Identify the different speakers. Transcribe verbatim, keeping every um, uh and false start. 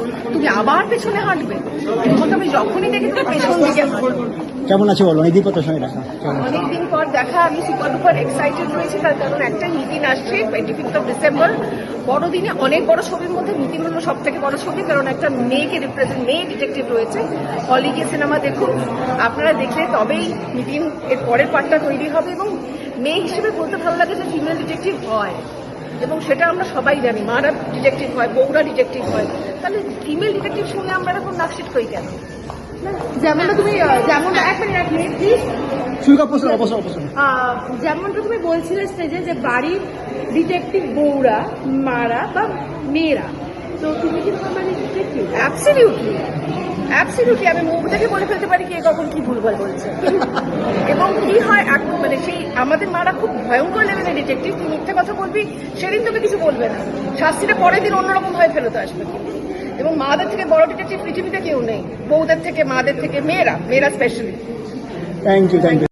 Speaker 1: তুমি আবার পেছনে হাঁটবে? তোমাকে আমি যখনই দেখি তুমি পেছন দিকে হাঁটবে।
Speaker 2: কেমন আছে বলো, অনেকদিন পর সঙ্গে দেখা?
Speaker 1: অনেকদিন পর দেখা, আমি সুপার ডুপার এক্সাইটেড রয়েছি, তার কারণ একটা নিতিন আসছে টোয়েন্টি ফিফথ অফ ডিসেম্বর। বড়দিনে অনেক বড় ছবির মধ্যে নিতিন হলো সব থেকে বড় ছবি, কারণ একটা মেয়েকে রিপ্রেজেন্ট, মেয়ে ডিটেকটিভ রয়েছে। হলে গিয়ে সিনেমা দেখুন, আপনারা দেখলে তবেই নিতিন এর পরের পার্টটা তৈরি হবে। এবং মেয়ে হিসেবে বলতে ভালো লাগে যে ফিমেল ডিটেকটিভ হয়, এবং সেটা আমরা সবাই জানি, মারা ডিটেকটিভ হয়, বউরা ডিটেকটিভ হয়, তাহলে ফিমেল ডিটেকটিভ শুনে আমরা এরকম নাকশিট করি কেন?
Speaker 3: যেমনটা তুমি যেমনটা এক মিনিট এক মিনিট প্লিজ যেমনটা তুমি বলছিলে স্টেজে যে বাড়ির ডিটেকটিভ বউরা, মারা বা মেয়েরা, তো তুমি কি তোমার মানে ডিটেকটিভ?
Speaker 1: অ্যাবসলিউটলি অ্যাবসলিউটলি আমি মুখ দেখে বলে ফেলতে পারি কে কখন কি ভুলভাল বলছে। এবং কি হয়, মানে সেই আমাদের মারা খুব ভয়ঙ্কর লেভেলের ডিটেকটিভ, তুই মিথ্যে কথা বলবি সেদিন তোকে কিছু বলবে না, শাস্তিটা পরের দিন অন্যরকম ভাবে ফেরত আসবে। এবং মাদের থেকে বড় ডিটেকটিভ পৃথিবীতে কেউ নেই, বউদের থেকে, মাদের থেকে, মেয়েরা মেয়েরা specially.
Speaker 2: Thank you thank you